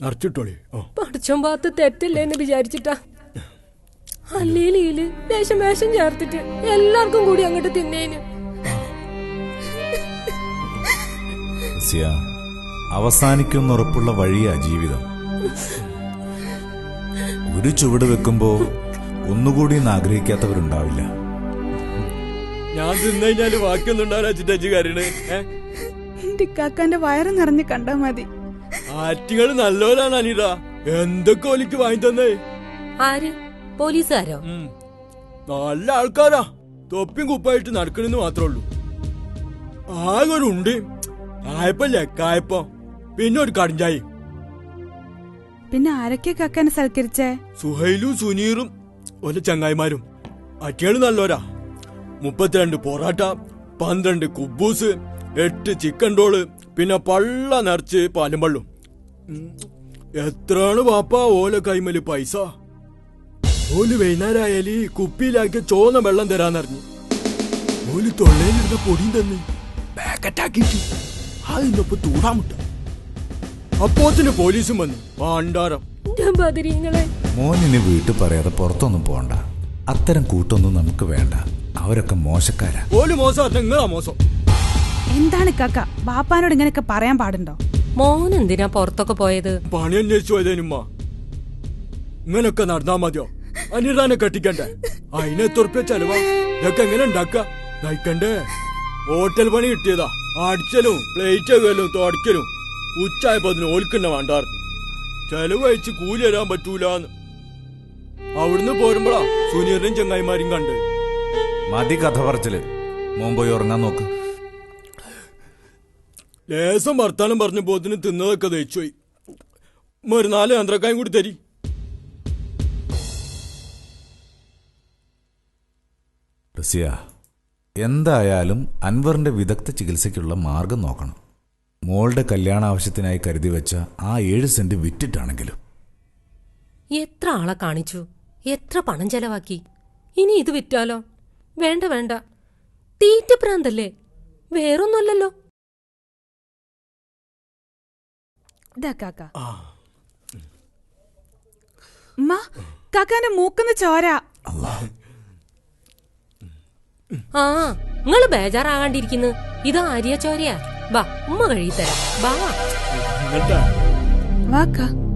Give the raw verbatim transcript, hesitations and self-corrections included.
നിറച്ചിട്ടോളി. പഠിച്ചോൻ ഭാഗത്ത് തെറ്റില്ലേന്ന് വിചാരിച്ചിട്ടാ. അല്ലേലീല് ലേശം വേഷം ചേർത്തിട്ട് എല്ലാവർക്കും കൂടി അങ്ങോട്ട് തിന്നേന്. അവസാനിക്കുന്നുറപ്പുള്ള വഴിയാ ജീവിതം. ഒരു ചുവട് വെക്കുമ്പോ ഒന്നുകൂടി ആഗ്രഹിക്കാത്തവരുണ്ടാവില്ല. ഞാൻ തിന്നു കഴിഞ്ഞാല് ബാക്കിയൊന്നും ഉണ്ടാവില്ല. കാക്കാന്റെ വയറ് നിറഞ്ഞ് കണ്ടാ മതി. ആറ്റുകള് നല്ലവരാണ് അനിത. എന്തൊക്കെ ഒലിക്ക് വാങ്ങി തന്നേ. ആര്? പോലീസുകാരോ? നല്ല ആൾക്കാരാ. തൊപ്പിയും കുപ്പായിട്ട് നടക്കണെന്ന് മാത്രമേ ഉള്ളൂ. ആകെ ഒരു ഉണ്ട് കായപ്പല്ലേ കായപ്പം, പിന്നെ ഒരു കടിഞ്ചായി. പിന്നെ ആരൊക്കെ കാക്കാനെ സൽക്കരിച്ചേ? സുഹൈലും സുനീറും ഒരു ചങ്ങായിമാരും. അറ്റികള് നല്ലോരാ. മുപ്പത്തിരണ്ട് പൊറാട്ട, പന്ത്രണ്ട് കുബൂസ്, എട്ട് ചിക്കൻ റോള്, പിന്നെ പള്ള നിറച്ച് പാലും പള്ളും. എത്രയാണ് വാപ്പ ഓല കൈമല് പൈസ? ഓല് വൈകുന്നേരമായാല് കുപ്പിയിലാക്കി ചോന്ന വെള്ളം തരാന്നറിഞ്ഞു. ഓല് തൊള്ളയിലിരുന്ന പൊടിയും തന്നെ പാക്കറ്റാക്കിട്ട് അതിനൊപ്പം തൂടാമുട്ട. അപ്പോത്തിന് പോലീസും വന്നു. പാണ്ടാരം മോനിന് വീട്ടിൽ പറയാതെ പുറത്തൊന്നും പോണ്ട. അത്തരം കൂട്ടൊന്നും നമുക്ക് വേണ്ട. അവരൊക്കെ മോശക്കാരാ. ഓല് മോശം, നിങ്ങളാ മോശം. എന്താണ് കാക്ക ബാപ്പാനോട് ഇങ്ങനെയൊക്കെ പറയാൻ പാടുണ്ടോ? മോൻ എന്തിനാ പുറത്തൊക്കെ പോയത്? പണി അന്വേഷിച്ചു പോയതേനുമ്മ. ഇങ്ങനൊക്കെ നടന്നാ മതിയോ? അനിതാനെ കെട്ടിക്കണ്ടേ? അതിനെ തുറപ്പിയ ചെലവാ. ഇതൊക്കെ എങ്ങനെ ഉണ്ടാക്ക നയിക്കണ്ടേ? ഹോട്ടൽ പണി കിട്ടിയതാ. അടിച്ചലും പ്ലേറ്റ് കലും തുടക്കലും ഉച്ചായപ്പോ അതിന് ഓൽക്കന്നെ വേണ്ടാറ്. ചെലവ് അയച്ച് കൂലി തരാൻ പറ്റൂലെന്ന്. അവിടുന്ന് പോരുമ്പോഴാ സുനീറിനും ചങ്ങായിമാരും കണ്ട്. മതി കഥ പറച്ചില്. മോൻ പോയി ഉറങ്ങാൻ നോക്ക്. ലേസം വർത്താനം പറഞ്ഞ പോത്തിന് തിന്നതൊക്കെ ദഹിച്ചുപോയി. ഒരു നാല് യന്ത്രക്കായും കൂടി തരി. റസിയ, എന്തായാലും അൻവറിന്റെ വിദഗ്ധ ചികിത്സയ്ക്കുള്ള മാർഗം നോക്കണം. മോളുടെ കല്യാണ ആവശ്യത്തിനായി കരുതി വെച്ച ആ ഏഴ് സെന്റ് വിറ്റിട്ടാണെങ്കിലും. എത്ര ആളെ കാണിച്ചു, എത്ര പണം ചെലവാക്കി. ഇനി ഇത് വിറ്റാലോ? വേണ്ട വേണ്ട, തീറ്റ പ്രാന്തല്ലേ, വേറൊന്നുമല്ലല്ലോ. കാക്കാന്റെ മൂക്കുന്ന ചോര. ആ, നിങ്ങള് ബേജാറാകാണ്ടിരിക്കുന്നു. ഇത് ആര്യ ചോരയാ. ബാ, ഉമ്മ കഴിത്തരാം. ബാ വാക്കാ.